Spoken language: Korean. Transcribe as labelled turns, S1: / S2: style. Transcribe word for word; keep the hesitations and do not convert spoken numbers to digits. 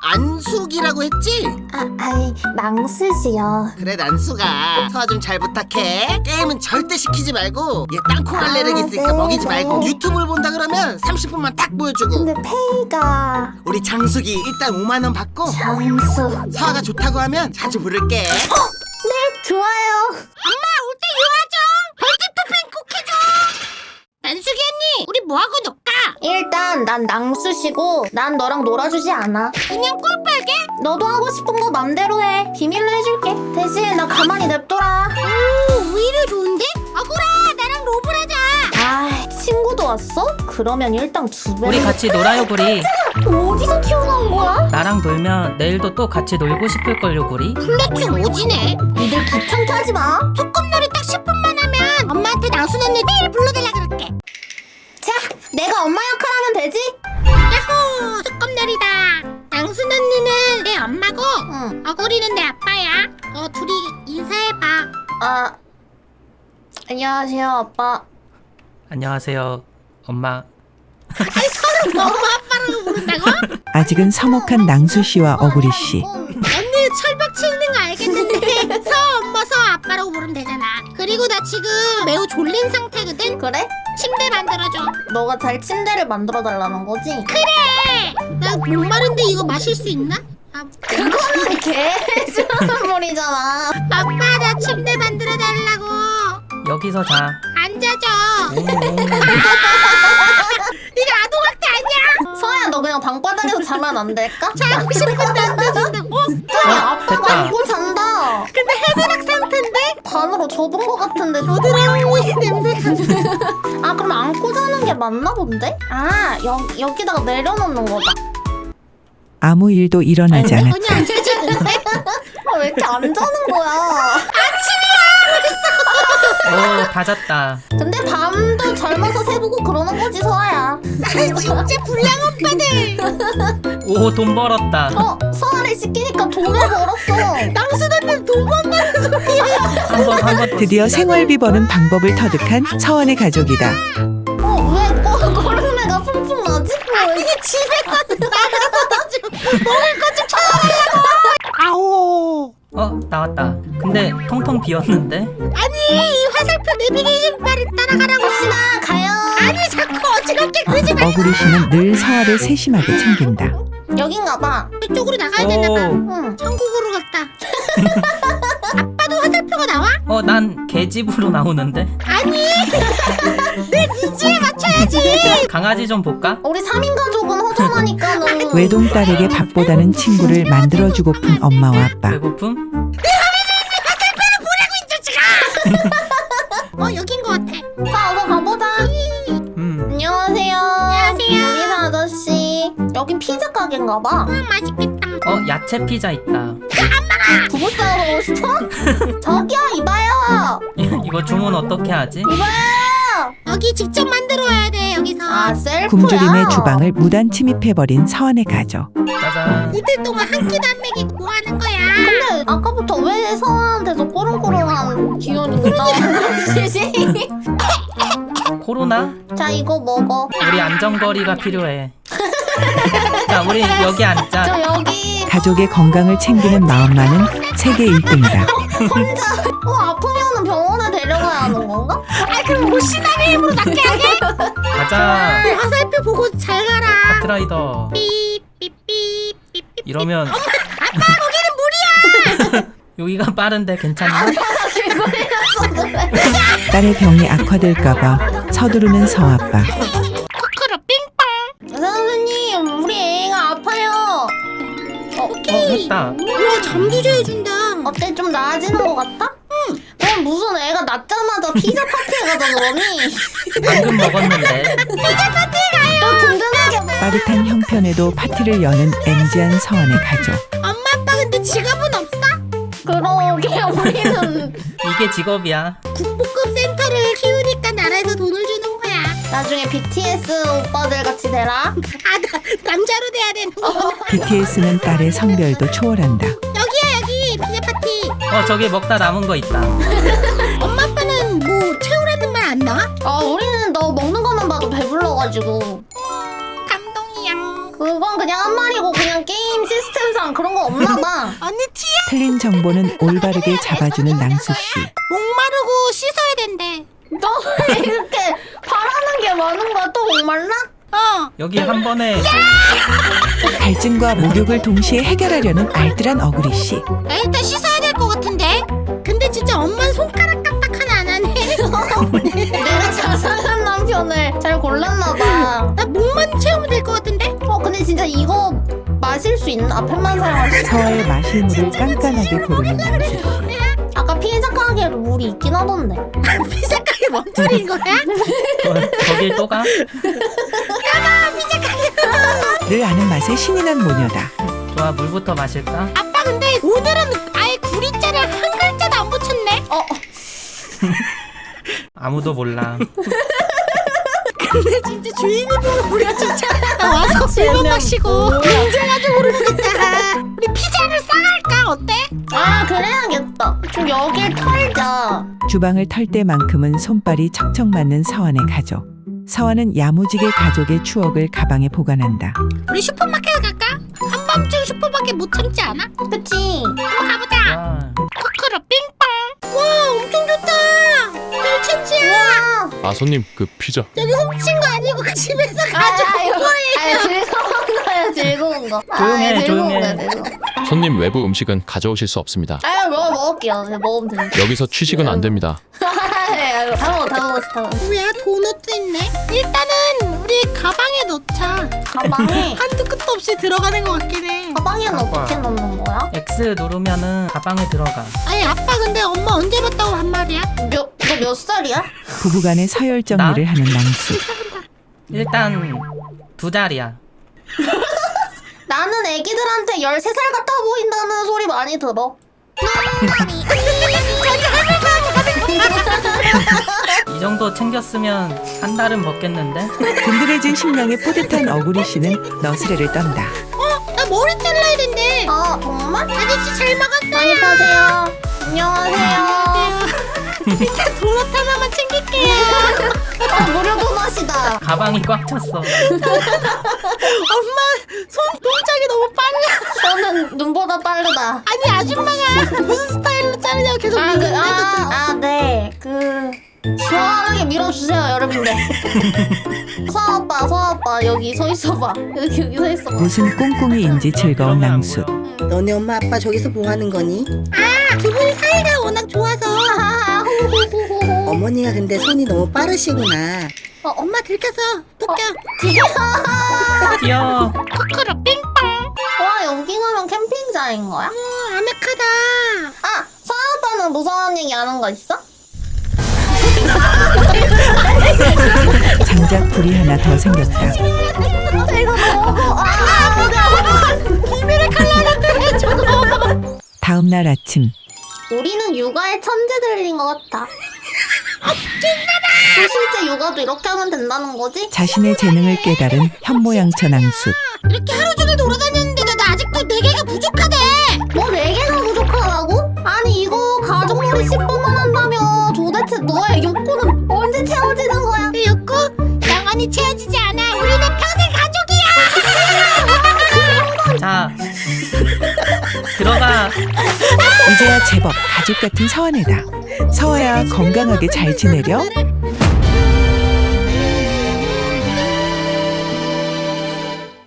S1: 안숙이라고 했지?
S2: 아, 아이, 낭수지요.
S1: 그래 난수가 서아 좀 잘 부탁해. 게임은 절대 시키지 말고 얘 땅콩 알레르기 있으니까
S2: 네,
S1: 먹이지
S2: 네.
S1: 말고 유튜브를 본다 그러면 삼십 분만 딱 보여주고.
S2: 근데 페이가...
S1: 우리 장숙이 일단 오만 원 받고
S2: 장수...
S1: 서아가 좋다고 하면 자주 부를게.
S2: 네, 좋아요.
S3: 엄마 올 때 요하죠. 벌집 토핑 꼭 해줘. 난숙이 언니 우리 뭐하고 놀까?
S2: 일단 난 낭수시고 난 너랑 놀아주지 않아.
S3: 그냥 꿀빨게?
S2: 너도 하고 싶은 거 맘대로 해. 비밀로 해줄게. 대신 나 가만히 냅둬라.
S3: 오 오히려 좋은데? 아구라 나랑 로블 하자.
S2: 아, 친구도 왔어? 그러면 일당 두 배.
S4: 우리 같이 놀아요 구리.
S2: 어디서 튀어나온 거야?
S4: 나랑 놀면 내일도 또 같이 놀고 싶을걸요 구리.
S3: 플래팅 오지네.
S2: 니들 귀찮게 하지 마.
S3: 소꿉놀이 딱 십 분만 하면 엄마한테 낭순 언니 매일 불러달라 그럴게.
S2: 자, 내가 엄마 역할하면 되지?
S3: 야호 소꿉놀이다. 낭순 언니는 내 엄마고
S2: 응.
S3: 어구리는 내 아빠야. 어 둘이 인사해봐.
S2: 아, 안녕하세요, 아빠.
S4: 안녕하세요 엄마.
S3: 아니 서로 엄마 아빠라고 부른다고?
S5: 아직은 서먹한 낭수씨와 어구리씨.
S3: 언니 철벽 치는 거 알겠는데 서 엄마 서 아빠라고 부르면 되잖아. 그리고 나 지금 매우 졸린 상태거든.
S2: 그래?
S3: 침대 만들어줘.
S2: 너가 잘 침대를 만들어달라는 거지?
S3: 그래. 나 목마른데 이거 마실 수 있나? 아,
S2: 그거는 개주문물이잖아.
S3: 아빠 나 침대 만들어 달라고.
S4: 여기서 자.
S3: 앉아줘.
S4: 오, 오.
S3: 이거 아동학대 아니야?
S2: 서아야, 너 그냥 방바닥에서 자면 안 될까?
S3: 자고 싶은데 앉아준다고?
S4: 어,
S2: 아빠가
S4: 됐다.
S2: 안고 잔다.
S3: 근데 헤드락 상태인데?
S2: 반으로 접은 거 같은데.
S3: 겨드랑이 냄새가.
S2: 아, 그럼 안고 자는 게 맞나 본데? 아, 여, 여기다가 내려놓는 거다.
S5: 아무 일도 일어나지 않았다.
S3: 전혀 안 쳐지는데?
S2: 아, 왜 이렇게 안 자는 거야?
S4: 오, 다 잤다.
S2: 근데 밤도 젊어서 새보고 그러는 거지, 서아야.
S3: 아 진짜 불량 오빠들.
S4: 오, 돈 벌었다.
S2: 어, 서아를 시키니까 돈을 벌었어.
S3: 낭순 언니는 돈 번다는 소리야.
S4: 한 번, 한 번.
S5: 드디어 생활비 버는 방법을 터득한 서원의 가족이다.
S2: 어, 왜 꼬, 꼬르내가 풍풍 나지?
S3: 아니 집에 나가서 좀 먹을 거 좀 찾아달라고. 아오.
S4: 어, 나왔다. 근데 통통 비었는데?
S3: 아니 이 화살표 내비게이션 바를 따라가라고.
S2: 혹시나 가요.
S3: 아니 자꾸 어지럽게 그러지 마.
S5: 어구리씨는 늘 서아를 세심하게 챙긴다.
S2: 여긴가 봐.
S3: 이쪽으로 나가야 되나 봐.
S4: 오,
S2: 응.
S3: 천국으로 갔다. 아빠도 화살표가 나와?
S4: 어, 난 개집으로 나오는데?
S3: 아니 내 니즈에 맞춰야지.
S4: 강아지 좀 볼까?
S2: 우리 삼 인 가족은 허전하니까는.
S5: 외동딸에게 밥보다는 친구를 만들어주고픈 엄마와 아빠.
S4: 배고픔?
S3: 어 여긴 것 같아.
S2: 자, 어서 가보자.
S4: 음.
S2: 안녕하세요.
S3: 안녕하세요.
S2: 유리사 아저씨. 여긴 피자 가게인가 봐.
S3: 음, 맛있겠다.
S4: 어, 야채 피자 있다.
S2: 부부싸움 하고 싶어? 저기요, 이봐요.
S4: 이거 주문 어떻게 하지?
S2: 이봐요.
S3: 여기 직접 만들어 와야 돼 여기서.
S2: 아, 셀프야.
S5: 굶주림의 주방을 무단 침입해버린 서원의 가족.
S4: 짜잔.
S3: 이틀 동안 한 끼도 안 먹이고 뭐 하는 거야?
S2: 근데 아까부터 왜 서아한테서 꼬롱꼬롱한 기운이 나오는 거지?
S4: 코로나?
S2: 자, 이거 먹어.
S4: 우리 안전거리가 필요해. 자, 우리 여기 앉자.
S2: 저 여기
S5: 가족의 건강을 챙기는 마음만은 세계 일 등이다.
S2: 혼자 어, 아프면은 병원에 데려가야 하는 건가?
S3: 아 그럼 뭐 신앙의 힘으로 낫게 하게?
S4: 가자.
S3: 네, 화살표 보고 잘 가라.
S4: 카트라이더.
S3: 삐삐삐삐삐.
S4: 이러면
S3: 아빠 거기는 물이야.
S4: 여기가 빠른데 괜찮나?
S5: 딸의 병이 악화될까봐 서두르는 서아빠.
S3: 코코로 빙빵.
S2: 선생님, 우리 애가 아파요. 어,
S4: 어, 했다.
S3: 와 잠도 재워준다.
S2: 어때? 좀 나아지는 것 같아? 응. 넌 무슨 애가 낳자마자 피자 파티에 가자 그러니?
S4: 방금 먹었는데.
S2: 또 든든하게.
S5: 빠듯한 형편에도 파티를 여는 엠지한 서원의 가족.
S3: 엄마 아빠 근데 지갑은 없어?
S2: 그러게 우리는
S4: 이게 직업이야.
S3: 국보급 센터를 키우니까 나라에서 돈을 주는 거야.
S2: 나중에 비티에스 오빠들 같이 되라.
S3: 아 나, 남자로 돼야 되는 거.
S5: 비티에스는 딸의 성별도 초월한다.
S3: 여기야 여기 피자 파티.
S4: 어, 저기 먹다 남은 거 있다.
S3: 엄마 아빠는 뭐 채우라는 말 안 나와?
S2: 아, 우리는 너 먹는 것만 봐도 배불러가지고.
S3: 감동이야.
S2: 그건 그냥 한 마리고 그냥 게임 게임 시스템상 그런 거 없나 봐.
S3: 언니 티야?
S5: 틀린 정보는 올바르게 잡아주는 낭수 씨.
S3: 목마르고 씻어야 된대.
S2: 너 왜 이렇게 바라는 게 많은 거야? 또 목말라?
S3: 어.
S4: 여기 한 번에
S5: 갈증과 목욕을 동시에 해결하려는 알뜰한 어구리 씨.
S3: 나 일단 씻어야 될 것 같은데. 근데 진짜 엄마는 손가락 까딱 하나 안 하네.
S2: 내가 자상한 남편을 잘 골랐나 봐.
S3: 나 목만 채우면 될 것 같은데.
S2: 어 근데 진짜 이거 마실 수 있나? 앞에만 사용할 수 있나?
S5: 서아의 마실 물을 깐깐하게 고르는 낭수 씨.
S2: 아까 피자 가게로 물이 있긴 하던데.
S3: 피자 가게 뭔 소리인 거야?
S4: 거- 거길 또 가?
S5: 늘 아는 맛에 신이 난 모녀다.
S4: 좋아, 물부터 마실까?
S3: 아빠 근데 오늘은 아예 구리자를 한 글자도 안 붙였네.
S2: 어
S4: 아무도 몰라.
S3: 근데 진짜 주인이 보면 우리 진짜 와서 술만 마시고 인정하지 모르겠다. 우리 피자를 싸갈까? 어때?
S2: 아 그래야겠다. 그럼 여길 털자.
S5: 주방을 털 때만큼은 손발이 척척 맞는 서원의 가족. 서원은 야무지게 가족의 추억을 가방에 보관한다.
S3: 우리 슈퍼마켓 갈까? 한밤중 슈퍼마켓 못 참지 않아?
S2: 그치?
S3: 한번 가보자.
S4: 와,
S3: 코코로 빙빵. 와 엄청 좋다. 펼치지야.
S2: 와.
S6: 아 손님 그 피자
S3: 여기 훔친 거 아니고 그 집에서 가져온
S2: 아유,
S3: 거예요.
S2: 아유 즐거운 거야 즐거운 거.
S4: 조용해,
S2: 아, 즐거운
S4: 조용해.
S2: 거야 즐거운 거.
S6: 손님 외부 음식은 가져오실 수 없습니다.
S2: 아유 먹어 먹을게요. 그냥 먹으면 되는데.
S6: 여기서 취식은 안 됩니다.
S2: 아유 다 먹어 다 먹었어 다 먹었어.
S3: 뭐야 도넛도 있네. 일단은 우리 가방에 넣자.
S2: 가방에
S3: 한두 끝도 없이 들어가는 것 같긴 해.
S2: 가방에는 어떻게 넣는 거야?
S4: X 누르면은 가방에 들어가.
S3: 아니 아빠 근데 엄마 언제 봤다고 한 말이야?
S2: 몇 너 몇 살이야?
S5: 부부간의 서열 정리를 하는 낭수.
S4: 일단 두 자리야.
S2: 나는 애기들한테 열세 살 같아 보인다는 소리 많이 들어.
S4: 이 정도 챙겼으면 한 달은 먹겠는데?
S5: 든든해진 식량에 뿌듯한 어구리 씨는 너스레를 떤다.
S3: 나 머리 잘라야 된대.
S2: 아 정말?
S3: 아저씨 잘 먹었어요.
S2: 많이 파세요. 안녕하세요.
S3: 일단 도넛 하나만 챙길게요.
S2: 아 무료 도넛이다.
S4: 가방이 꽉 찼어.
S3: 엄마 손 동작이 너무 빨라.
S2: 저는 눈보다 빠르다.
S3: 아니 아줌마가 무슨 스타일로 자르냐고 계속
S2: 아, 그,
S3: 묻는데
S2: 아, 아, 네. 그 시원하게 밀어주세요, 여러분들. 서아 오빠, 서아 오빠 여기 서 있어봐. 여기 여기 서 있어봐.
S5: 무슨 꽁꽁이인지 즐거운
S4: 그러면
S5: 낭수.
S4: 뭐야?
S1: 너네 엄마 아빠 저기서 뭐 하는 거니?
S3: 두 분 사이가 워낙 좋아서.
S2: 하하하, 호호호호호.
S1: 어머니가 근데 손이 너무 빠르시구나.
S3: 어, 엄마 들켜서 토껴.
S4: 뛰어.
S3: 코코로 빙빵.
S2: 와 여기 가면 캠핑장인 거야?
S3: 어, 아늑하다.
S2: 아, 서아 오빠는 무서운 얘기 아는 거 있어?
S5: 장작 불이 하나 더 생겼다.
S2: 이거 먹어. 아,
S3: 비밀의 칼날인데 저거.
S5: 다음 날 아침
S2: 우리는 육아의 천재들인 것 같아. 그 실제 육아도 이렇게 하면 된다는 거지?
S5: 자신의 재능을 깨달은 현모양처 낭수.
S3: 이렇게 하루 종일 돌아다녔는데 나 아직도 네 개가 부족하대.
S2: 뭐 네 개가 부족하다고? 아니 이거 가족놀이 십 분만 한다며 도대체 너의 욕구는 언제 채워지는 거야?
S3: 내 욕구 영원히 채워지지 않아. 우리는 평생 가족이야.
S4: 자, 들어가.
S5: 이제야 제법 가족 같은 서원이다. 서아야 건강하게 잘 지내려?